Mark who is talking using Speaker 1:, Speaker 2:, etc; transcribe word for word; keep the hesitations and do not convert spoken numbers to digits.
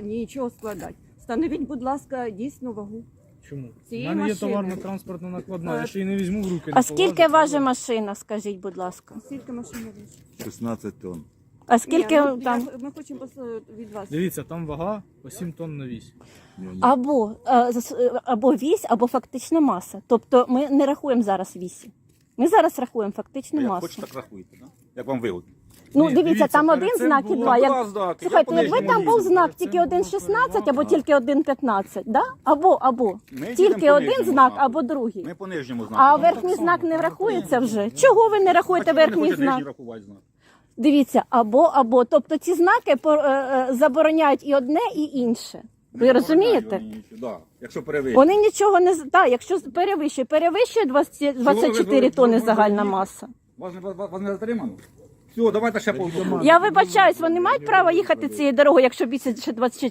Speaker 1: нічого складати. Встановіть, будь ласка, дійсну вагу.
Speaker 2: Чому? У
Speaker 1: Цієї
Speaker 2: мене є
Speaker 1: машини.
Speaker 2: товарно-транспортна накладна,
Speaker 1: Е,
Speaker 2: я ще її не візьму в руки. не
Speaker 3: А скільки
Speaker 2: полазить,
Speaker 3: важить
Speaker 2: але-
Speaker 3: машина, скажіть, будь ласка?
Speaker 1: Скільки машин вийшло?
Speaker 4: шістнадцять тонн.
Speaker 3: А скільки
Speaker 1: Ні, ну,
Speaker 3: там?
Speaker 1: я- Ми хочемо пос- від вас.
Speaker 2: Дивіться, там вага по сім тонн на вісь.
Speaker 3: Або, е, зас- е, або вісь, або фактична маса. Тобто ми не рахуємо зараз вісі. Ми зараз рахуємо фактичну
Speaker 4: Як
Speaker 3: масу.
Speaker 4: хочете, так рахуйте, да? Як вам вигодно.
Speaker 3: Ну,
Speaker 2: Ні,
Speaker 3: дивіться,
Speaker 2: дивіться,
Speaker 3: там
Speaker 2: перед
Speaker 3: один
Speaker 2: цим
Speaker 3: знак і
Speaker 2: було
Speaker 3: два.
Speaker 4: два
Speaker 3: Як...
Speaker 4: знаки.
Speaker 3: Слухайте,
Speaker 4: Я
Speaker 3: якби
Speaker 4: по
Speaker 3: там
Speaker 4: нижньому
Speaker 3: був
Speaker 4: їду.
Speaker 3: знак
Speaker 2: Перед цим
Speaker 3: тільки один
Speaker 2: було
Speaker 3: шістнадцять або
Speaker 2: перевага.
Speaker 3: тільки один п'ятнадцять, да? Або, або.
Speaker 4: Ми їдемо
Speaker 3: Тільки
Speaker 4: по
Speaker 3: один
Speaker 4: нижньому
Speaker 3: знак
Speaker 4: знаку.
Speaker 3: або другий.
Speaker 4: Ми по нижньому знаку.
Speaker 3: А
Speaker 4: Ну,
Speaker 3: верхній
Speaker 4: так само.
Speaker 3: знак не врахується вже? Чого ви не рахуєте
Speaker 4: А чого ви не
Speaker 3: верхній
Speaker 4: хочете
Speaker 3: знак?
Speaker 4: нижній рахувати знак?
Speaker 3: Дивіться, або, або. Тобто ці знаки по- е, е, забороняють і одне, і інше. Ви
Speaker 4: Не
Speaker 3: розумієте?
Speaker 4: забороняють вони нічого, да. Якщо перевищує.
Speaker 3: Вони нічого не з- так, якщо перевищує, перевищує двадцять, двадцять чотири тонни загальна маса.
Speaker 4: Вас не, вас, вас не затримано? Все, давайте ще по
Speaker 3: Я вибачаюсь, вони мають право їхати цією дорогою, якщо більше двадцять